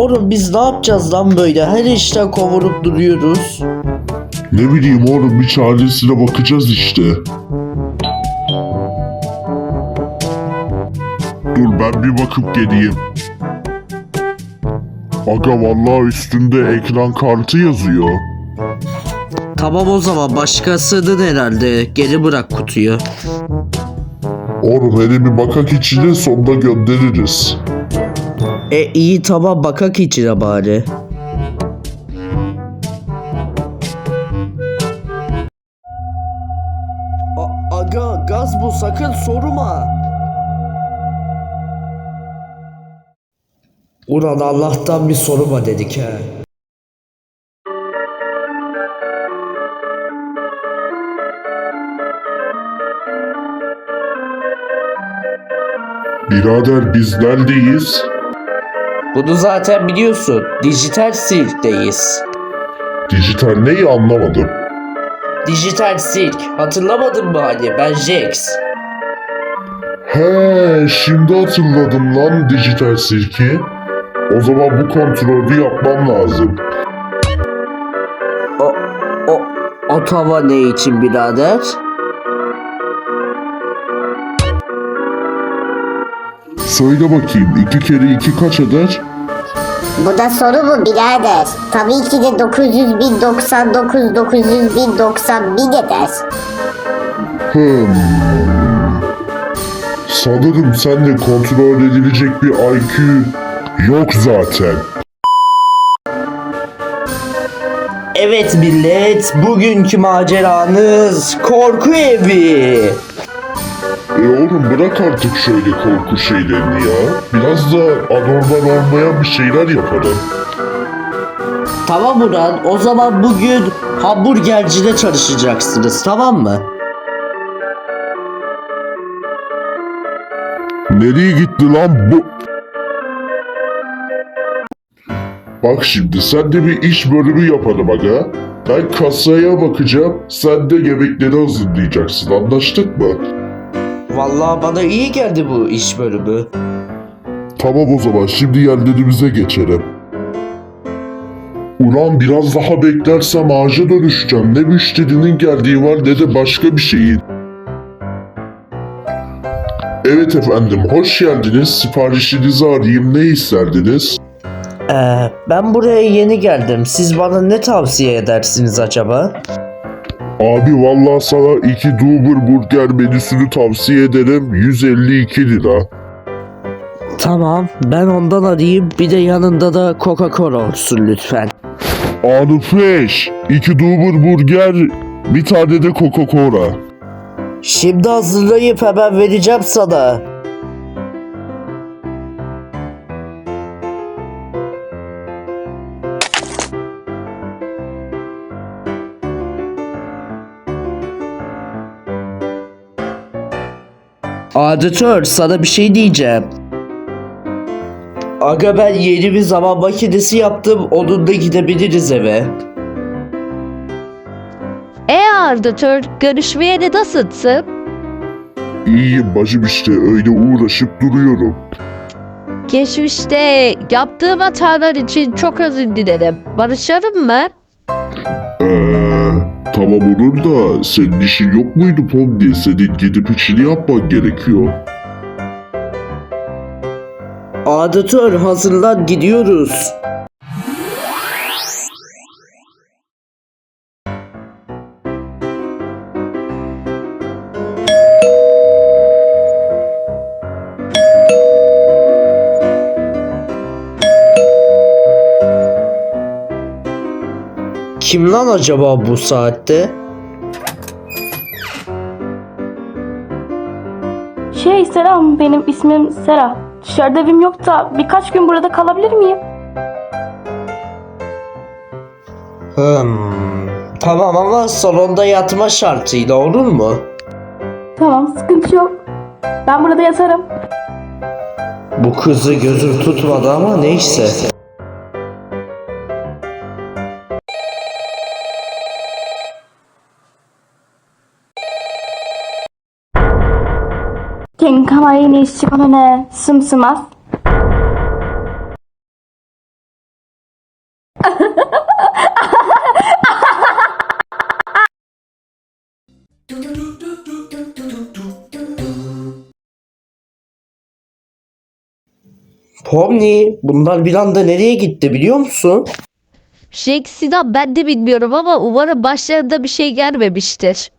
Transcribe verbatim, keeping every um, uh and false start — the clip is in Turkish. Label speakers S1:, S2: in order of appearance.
S1: Oğlum biz ne yapacağız lan böyle? Her işten kovurup duruyoruz.
S2: Ne bileyim oğlum, bir çaresine bakacağız işte. Dur ben bir bakıp geleyim. Aga vallahi üstünde ekran kartı yazıyor.
S1: Tamam o zaman başkasının herhalde. Geri bırak kutuyu.
S2: Oğlum hele bir bakak içine, sonunda göndeririz.
S1: E iyi tamam bakak içine bari. A- aga gaz bu, sakın sorma. Ulan Allah'tan bir soruma dedik he.
S2: Birader biz neredeyiz?
S1: Bunu zaten biliyorsun. Dijital sirkteyiz.
S2: Dijital neyi anlamadım.
S1: Dijital sirk. Hatırlamadın mı hani? Ben Jax.
S2: He, şimdi hatırladım lan dijital sirki. O zaman bu kontrolü yapmam lazım.
S1: O, o, o tava ne için birader?
S2: Söyle bakayım, iki kere iki kaç eder?
S3: Bu da soru mu birader? Tabii ki de dokuz yüz bin doksan dokuz dokuz yüz bin doksan bin eder.
S2: Hmm. Sanırım sende kontrol edilecek bir I Q yok zaten.
S1: Evet millet, bugünkü maceranız korku evi.
S2: E oğlum bırak artık şöyle korku şeylerini ya. Biraz da anormal olmayan bir şeyler yapalım.
S1: Tamam Ulan, o zaman bugün hamburgercide çalışacaksınız, tamam mı?
S2: Nereye gitti lan bu? Bak şimdi sen de bir iş bölümü yapalım aga. Ben kasaya bakacağım, sen de yemekleri hazırlayacaksın, anlaştık mı?
S1: Vallahi bana iyi geldi bu iş bölümü.
S2: Tamam o zaman şimdi yerlerimize geçelim. Ulan biraz daha beklersem ağaca dönüşeceğim. Ne müşterinin geldiği var ne de başka bir şeyin. Evet efendim, hoş geldiniz. Siparişinizi arayayım, ne isterdiniz?
S1: Ee, ben buraya yeni geldim. Siz bana ne tavsiye edersiniz acaba?
S2: Abi vallahi sana iki Duber Burger menüsünü tavsiye ederim. yüz elli iki lira.
S1: Tamam, ben ondan arayayım. Bir de yanında da Coca-Cola olsun lütfen.
S2: Arifeş, iki Duber Burger, bir tane de Coca-Cola.
S1: Şimdi hazırlayıp hemen vereceğim sana. Adetör, sana bir şey diyeceğim. Aga ben yeni bir zaman makinesi yaptım. Onunla gidebiliriz eve.
S4: E Ardatör, görüşmeye de nasılsın?
S2: İyiyim bacım işte, öyle uğraşıp duruyorum.
S4: Geçmişte yaptığım hatalar için çok özür dilerim. Barışalım mı?
S2: Eee, tamam olur da senin işin yok muydu Pomni? Senin gidip içini yapman gerekiyor.
S1: Adetör, hazırlan, gidiyoruz. Kim lan acaba bu saatte?
S5: Şey selam, benim ismim Sera. Dışarıda evim yok da birkaç gün burada kalabilir miyim?
S1: Hmm, tamam ama salonda yatma şartıyla olur mu?
S5: Tamam, sıkıntı yok. Ben burada yatarım.
S1: Bu kızı gözüm tutmadı ama neyse.
S5: Kenkawaii ni shikome ne sumsumasu.
S1: Pomni, bunlar bir anda nereye gitti biliyor musun?
S4: Jack Sinan ben de bilmiyorum ama umarım başlarında bir şey gelmemiştir.